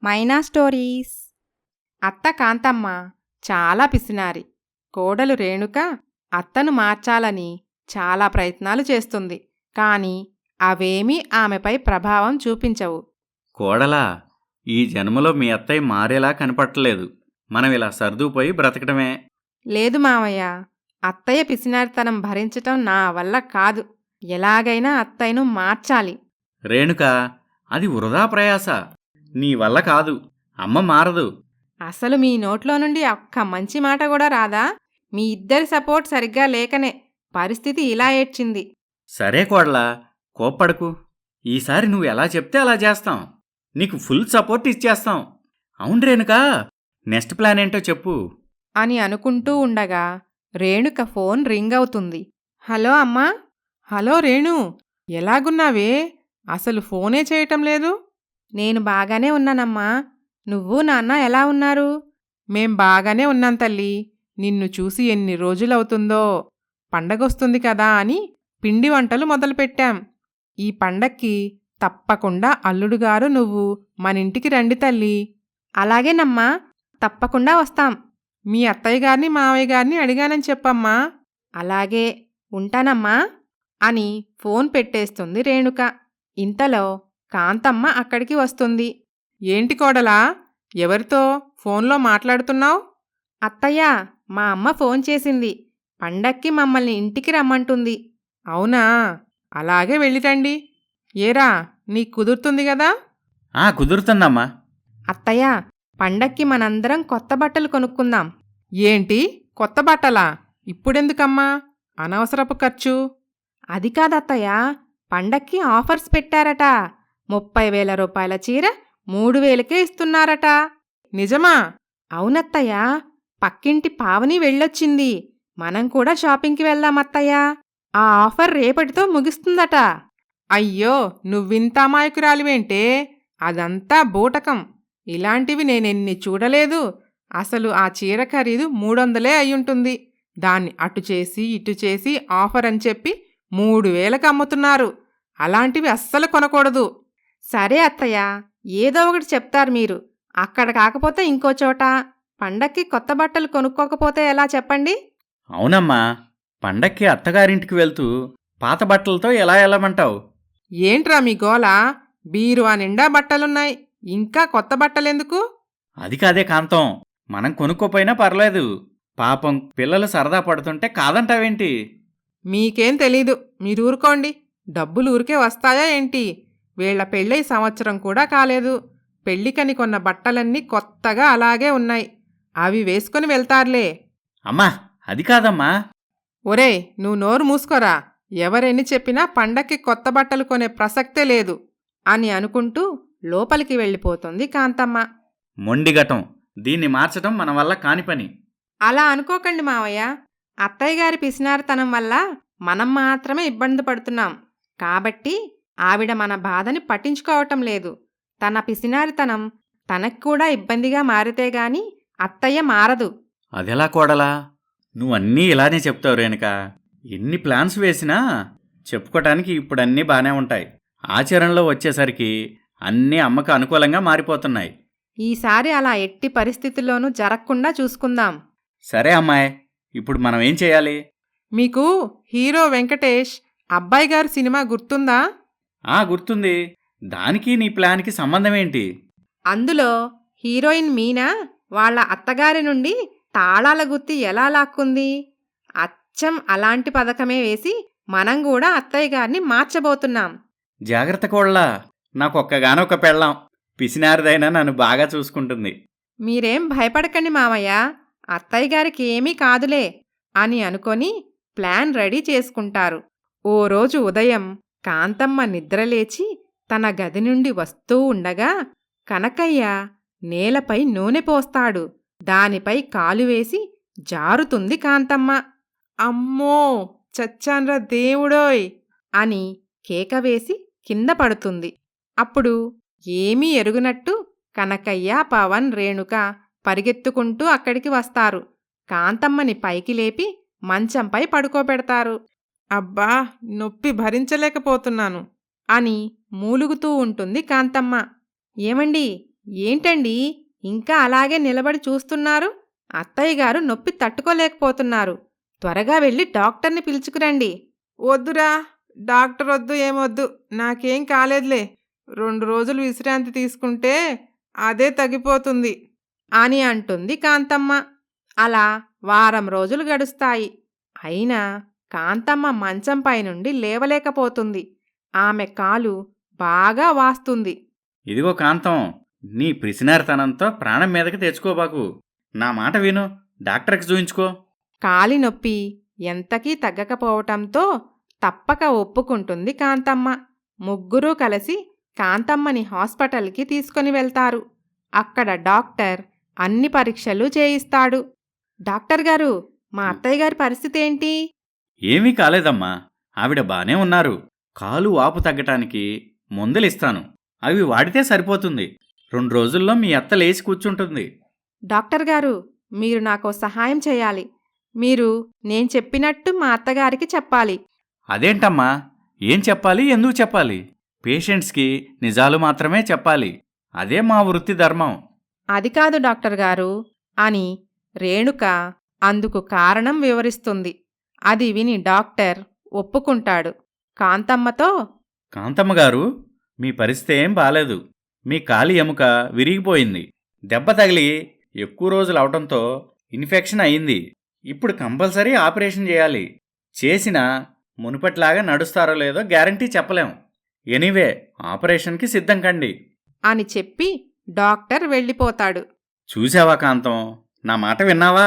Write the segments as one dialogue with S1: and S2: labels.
S1: మైనా stories. అత్త కాంతమ్మ చాలా పిసినారి. కోడలు రేణుక అత్తను మార్చాలని చాలా ప్రయత్నాలు చేస్తుంది. కాని అవేమీ ఆమెపై ప్రభావం చూపించవు.
S2: కోడలా, ఈ జన్మలో మీ అత్తయ్య మారేలా కనపట్టలేదు. మనం ఇలా సర్దుకుపోయి బ్రతకడమే.
S1: లేదు మావయ్య, అత్తయ్య పిసినారితనం భరించటం నా వల్ల కాదు. ఎలాగైనా అత్తయ్యను మార్చాలి.
S2: రేణుకా, అది వృధా ప్రయాస. నీ వల్ల కాదు. అమ్మ మారదు.
S1: అసలు మీ నోట్లో నుండి ఒక్క మంచి మాట కూడా రాదా? మీ ఇద్దరి సపోర్ట్ సరిగ్గా లేకనే పరిస్థితి ఇలా ఏడ్చింది.
S2: సరే కోడలా, కోప్పడకు. ఈసారి నువ్వు ఎలా చెప్తే అలా చేస్తాం. నీకు ఫుల్ సపోర్ట్ ఇచ్చేస్తాం. అవును రేణుకా, నెక్స్ట్ ప్లాన్ ఏంటో చెప్పు
S1: అని అనుకుంటూ ఉండగా రేణుక ఫోన్ రింగ్ అవుతుంది. హలో అమ్మా.
S3: హలో రేణు, ఎలాగున్నావే? అసలు ఫోనే చేయటం లేదు.
S1: నేను బాగానే ఉన్నానమ్మా. నువ్వు నాన్న ఎలా ఉన్నారు?
S3: మేం బాగానే ఉన్నాం తల్లి. నిన్ను చూసి ఎన్ని రోజులవుతుందో. పండగొస్తుంది కదా అని పిండి వంటలు మొదలుపెట్టాం. ఈ పండక్కి తప్పకుండా అల్లుడుగారు నువ్వు మనింటికి రండి తల్లి.
S1: అలాగేనమ్మా, తప్పకుండా వస్తాం.
S3: మీ అత్తయ్యగారిని మావయ్యగారిని అడిగానని చెప్పమ్మా.
S1: అలాగే, ఉంటానమ్మా అని ఫోన్ పెట్టేస్తుంది రేణుక. ఇంతలో కాంతమ్మ అక్కడికి వస్తుంది.
S3: ఏంటి కోడలా, ఎవరితో ఫోన్లో మాట్లాడుతున్నావు?
S1: అత్తయ్య, మా అమ్మ ఫోన్ చేసింది. పండక్కి మమ్మల్ని ఇంటికి రమ్మంటుంది.
S3: అవునా, అలాగే వెళ్ళిరండి. ఏరా, నీకు కుదురుతుంది గదా?
S2: కుదురుతుందమ్మా.
S1: అత్తయ్య, పండక్కి మనందరం కొత్త బట్టలు కొనుక్కుందాం.
S3: ఏంటి, కొత్త బట్టలా? ఇప్పుడెందుకమ్మా? అనవసరపు ఖర్చు.
S1: అది కాదత్తయ్య, పండక్కి ఆఫర్స్ పెట్టారట. 30,000 రూపాయల చీర 3,000కే ఇస్తున్నారట.
S3: నిజమా?
S1: అవునత్తయ్య, పక్కింటి పావని వెళ్ళొచ్చింది. మనం కూడా షాపింగ్కి వెళ్దామత్తయ్య. ఆ ఆఫర్ రేపటితో ముగిస్తుందట.
S3: అయ్యో, నువ్వింత అమాయకురాలివేంటే? అదంతా బూటకం. ఇలాంటివి నేనెన్ని చూడలేదు. అసలు ఆ చీర ఖరీదు 300 అయ్యుంటుంది. దాన్ని అటు చేసి ఇటు చేసి ఆఫర్ అని చెప్పి 3,000కి అమ్ముతున్నారు. అలాంటివి అస్సలు కొనకూడదు.
S1: సరే అత్తయ్య, ఏదో ఒకటి చెప్తారు మీరు. అక్కడ కాకపోతే ఇంకో చోట. పండక్కి కొత్త బట్టలు కొనుక్కోకపోతే ఎలా చెప్పండి?
S2: అవునమ్మా, పండక్కి అత్తగారింటికి వెళ్తూ పాత బట్టలతో ఎలా వెళ్ళమంటావు?
S3: ఏంట్రా మీ గోల? బీరువా నిండా బట్టలున్నాయి, ఇంకా కొత్త బట్టలెందుకు?
S2: అది కాదే కాంతం, మనం కొనుక్కోపోయినా పర్లేదు. పాపం పిల్లలు సరదా పడుతుంటే కాదంటావేంటి?
S3: మీకేం తెలీదు, మీరూరుకోండి. డబ్బులు ఊరికే వస్తాయా ఏంటి? వీళ్ల పెళ్ళై సంవత్సరం కూడా కాలేదు. పెళ్ళికని కొన్న బట్టలన్నీ కొత్తగా అలాగే ఉన్నాయి. అవి వేసుకుని వెళ్తారులే.
S2: అమ్మా, అది కాదమ్మా.
S3: ఒరేయ్, నువ్వు నోరు మూసుకోరా. ఎవరెన్ని చెప్పినా పండక్కి కొత్త బట్టలు కొనే ప్రసక్తే లేదు
S1: అని అనుకుంటూ లోపలికి వెళ్ళిపోతుంది కాంతమ్మ.
S2: మొండిగటం, దీన్ని మార్చడం మన వల్ల కాని పని.
S1: అలా అనుకోకండి మావయ్య. అత్తయ్యగారి పిసినారితనం వల్ల మనం మాత్రమే ఇబ్బంది పడుతున్నాం. కాబట్టి ఆవిడ మన బాధని పట్టించుకోవటం లేదు. తన పిసినారితనం తనకు కూడా ఇబ్బందిగా మారితేగాని అత్తయ్య మారదు.
S2: అదెలా కోడలా? నువ్వన్నీ ఇలానే చెప్తావు రేణుక. ఎన్ని ప్లాన్స్ వేసినా చెప్పుకోటానికి ఇప్పుడన్నీ బానే ఉంటాయి. ఆచరణలో వచ్చేసరికి అన్నీ అమ్మకు అనుకూలంగా మారిపోతున్నాయి.
S1: ఈసారి అలా ఎట్టి పరిస్థితుల్లోనూ జరగకుండా చూసుకుందాం.
S2: సరే అమ్మాయి, ఇప్పుడు మనం ఏం చేయాలి?
S3: మీకు హీరో వెంకటేష్ అబ్బాయి గారు సినిమా గుర్తుందా?
S2: గుర్తుంది. దానికి నీ ప్లాన్కి సంబంధమేంటి?
S1: అందులో హీరోయిన్ మీనా వాళ్ళ అత్తగారి నుండి తాళాల గుత్తి ఎలా లాక్కుంది? అచ్చం అలాంటి పథకమే వేసి మనం కూడా అత్తయ్య గారిని మార్చబోతున్నాం.
S2: జాగ్రత్త కోళ్ళా, నాకొక్కగానొక్క పెళ్ళాం. పిసినారిదైనా నన్ను బాగా చూసుకుంటుంది.
S1: మీరేం భయపడకండి మావయ్య, అత్తయ్య గారికి ఏమీ కాదులే అని అనుకొని ప్లాన్ రెడీ చేసుకుంటారు. ఓ రోజు ఉదయం కాంతమ్మ నిద్రలేచి తన గది నుండి వస్తూ ఉండగా కనకయ్య నేలపై నూనె పోస్తాడు. దానిపై కాలు వేసి జారుతుంది కాంతమ్మ.
S3: అమ్మో, చచ్చాన్రా దేవుడోయ్
S1: అని కేకవేసి కింద పడుతుంది. అప్పుడు ఏమీ ఎరుగునట్టు కనకయ్య, పవన్, రేణుక పరిగెత్తుకుంటూ అక్కడికి వస్తారు. కాంతమ్మని పైకి లేపి మంచంపై పడుకోబెడతారు.
S3: అబ్బా, నొప్పి భరించలేకపోతున్నాను
S1: అని మూలుగుతూ ఉంటుంది కాంతమ్మ. ఏమండి, ఏంటండి ఇంకా అలాగే నిలబడి చూస్తున్నారు? అత్తయ్య గారు నొప్పి తట్టుకోలేకపోతున్నారు. త్వరగా వెళ్ళి డాక్టర్ని పిలుచుకురండి.
S3: వద్దురా, డాక్టర్ వద్దు, ఏమొద్దు, నాకేం కాలేదులే. 2 రోజులు విశ్రాంతి తీసుకుంటే అదే తగ్గిపోతుంది
S1: అని అంటుంది కాంతమ్మ. అలా వారం రోజులు గడుస్తాయి. అయినా కాంతమ్మ మంచంపై నుండి లేవలేకపోతుంది. ఆమె కాలు బాగా వాస్తుంది.
S2: ఇదిగో కాంతం, నీ పిసినారితనంతో ప్రాణం మీదకి తెచ్చుకోబాకు. నా మాట విను, డాక్టర్కి చూయించుకో.
S1: కాలి నొప్పి ఎంతకీ తగ్గకపోవటంతో తప్పక ఒప్పుకుంటుంది కాంతమ్మ. ముగ్గురూ కలిసి కాంతమ్మని హాస్పిటల్కి తీసుకొని వెళ్తారు. అక్కడ డాక్టర్ అన్ని పరీక్షలు చేయిస్తాడు. డాక్టర్ గారు, మా అత్తయ్య గారి పరిస్థితి ఏంటి?
S2: ఏమీ కాలేదమ్మా, ఆవిడ బానే ఉన్నారు. కాలు వాపు తగ్గటానికి మందులిస్తాను, అవి వాడితే సరిపోతుంది. 2 రోజుల్లో మీ అత్త లేచి కూర్చుంటుంది.
S1: డాక్టర్ గారు, మీరు నాకో సహాయం చేయాలి. మీరు నేను చెప్పినట్టు మా అత్తగారికి చెప్పాలి.
S2: అదేంటమ్మా, ఏం చెప్పాలి, ఎందుకు చెప్పాలి? పేషెంట్స్కి నిజాలు మాత్రమే చెప్పాలి. అదే మా వృత్తి ధర్మం.
S1: అది కాదు డాక్టర్ గారు అని రేణుక అందుకు కారణం వివరిస్తుంది. అది విని డాక్టర్ ఒప్పుకుంటాడు. కాంతమ్మతో,
S2: కాంతమ్మగారు, మీ పరిస్థితి ఏం బాలేదు. మీ కాలి ఎముక విరిగిపోయింది. దెబ్బ తగిలి ఎక్కువ రోజులు అవటంతో ఇన్ఫెక్షన్ అయింది. ఇప్పుడు కంపల్సరీ ఆపరేషన్ చేయాలి. చేసినా మునుపట్లాగా నడుస్తారో లేదో గ్యారంటీ చెప్పలేం. ఎనీవే, ఆపరేషన్కి సిద్ధం కండి
S1: అని చెప్పి డాక్టర్ వెళ్ళిపోతాడు.
S2: చూసావా కాంతం, నా మాట విన్నావా?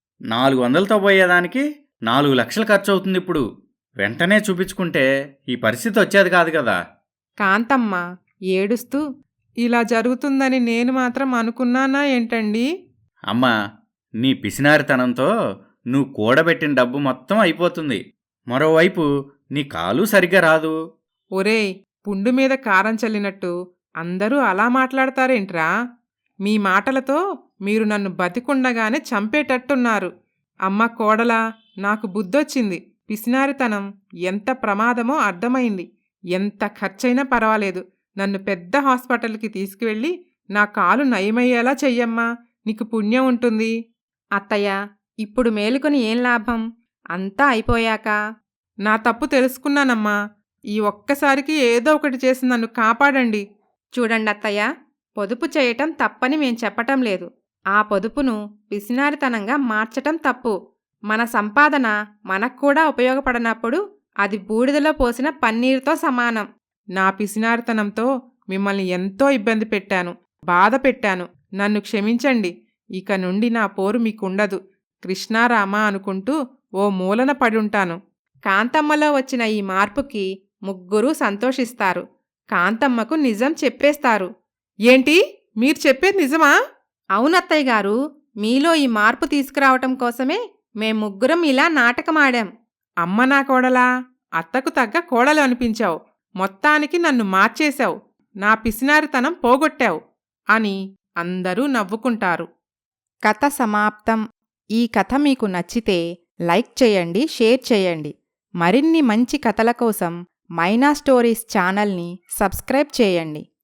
S2: 400తో పోయేదానికి 4 లక్షలు ఖర్చు అవుతుంది ఇప్పుడు. వెంటనే చూపించుకుంటే ఈ పరిస్థితి వచ్చేది కాదు కదా.
S1: కాంతమ్మ ఏడుస్తూ,
S3: ఇలా జరుగుతుందని నేను మాత్రం అనుకున్నానా ఏంటండి?
S2: అమ్మా, నీ పిసినారితనంతో నువ్వు కూడబెట్టిన డబ్బు మొత్తం అయిపోతుంది. మరోవైపు నీ కాలు సరిగ్గా రాదు.
S3: ఒరేయ్, పుండు మీద కారం చల్లినట్టు అందరూ అలా మాట్లాడతారేంట్రా? మీ మాటలతో మీరు నన్ను బతికుండగానే చంపేటట్టున్నారు. అమ్మ కోడలా, నాకు బుద్ధొచ్చింది. పిసినారితనం ఎంత ప్రమాదమో అర్థమైంది. ఎంత ఖర్చైనా పర్వాలేదు, నన్ను పెద్ద హాస్పిటల్కి తీసుకువెళ్ళి నా కాలు నయమయ్యేలా చెయ్యమ్మా, నీకు పుణ్యం ఉంటుంది.
S1: అత్తయ్య, ఇప్పుడు మేలుకొని ఏం లాభం? అంతా అయిపోయాక.
S3: నా తప్పు తెలుసుకున్నానమ్మా. ఈ ఒక్కసారికి ఏదో ఒకటి చేసి నన్ను కాపాడండి.
S1: చూడండి అత్తయ్య, పొదుపు చేయటం తప్పని మేం చెప్పటం లేదు. ఆ పొదుపును పిసినారితనంగా మార్చటం తప్పు. మన సంపాదన మనక్కూడా ఉపయోగపడనప్పుడు అది బూడిదలో పోసిన పన్నీరుతో సమానం.
S3: నా పిసినారితనంతో మిమ్మల్ని ఎంతో ఇబ్బంది పెట్టాను, బాధ పెట్టాను. నన్ను క్షమించండి. ఇక నుండి నా పోరు మీకుండదు. కృష్ణారామా అనుకుంటూ ఓ మూలన పడుంటాను.
S1: కాంతమ్మలో వచ్చిన ఈ మార్పుకి ముగ్గురూ సంతోషిస్తారు. కాంతమ్మకు నిజం చెప్పేస్తారు.
S3: ఏంటి, మీరు చెప్పేది నిజమా?
S1: అవునత్తయ్య గారు, మీలో ఈ మార్పు తీసుకురావటం కోసమే మేం ముగ్గురం ఇలా నాటకమాడాం.
S3: అమ్మ నా కోడలా, అత్తకు తగ్గ కోడలు అనిపించావు. మొత్తానికి నన్ను మార్చేశావు, నా పిసినారితనం పోగొట్టావు అని అందరూ నవ్వుకుంటారు.
S1: కథ సమాప్తం. ఈ కథ మీకు నచ్చితే లైక్ చేయండి, షేర్ చేయండి. మరిన్ని మంచి కథల కోసం మైనా స్టోరీస్ ఛానల్ని సబ్స్క్రైబ్ చేయండి.